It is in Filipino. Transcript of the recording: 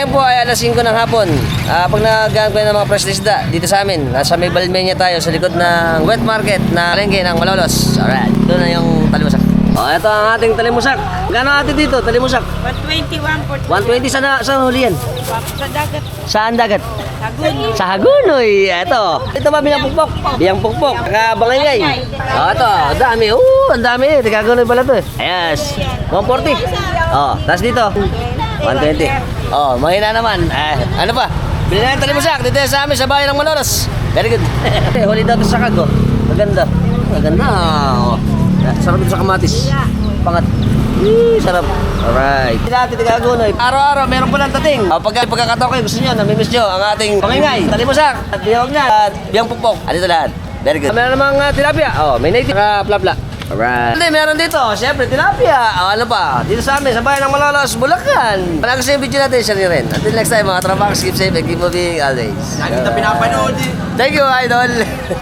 ngayon po ay alas 5 ng hapon. Pag nag-gaan kayo ng mga fresh isda dito sa amin, nasa may Balmenia tayo sa likod ng wet market na palengke ng Malolos. Alright, ito na yung talimusak. Ito ang ating talimusak. Gano'n natin dito, talimusak? 121 120 saan huli yan? sa dagat. Saan dagat? Hagun. Sa Hagunoy. Ito ba bilang pukpok? Bilang pukpok. Kakabangay. Ito, ang dami. Ang dami. Hagunoy pala to. Yes. 140. Tapos dito. 120. Mahina naman. Ano pa? Bili na yung talimusak. Dito sa amin sa bayan ng Malolos. Very good. Huli daw ito sa Kago. Maganda. Maganda. Sarap ito sa kamatis. Pangat. Sarap. Alright. Dati Hagunoy. Araw-araw meron po lang dating. Pagkakataon kayo gusto nyo, namimiss nyo ang ating pangingay. Talimusak. At biyawag na. At biyang pukpok. Dito lahat. Very good. Meron namang tilapia. May native. Plapla. Alright. Hindi, meron dito. Siyempre, tilapia. Ano pa? Dito sa amin, sa bayan ng Malolos, Bulacan. Pala kasi yung video natin, share nyo rin. Until next time, mga trabaho, keep safe and keep moving always. Lagi na pinapanood eh. Thank you, idol.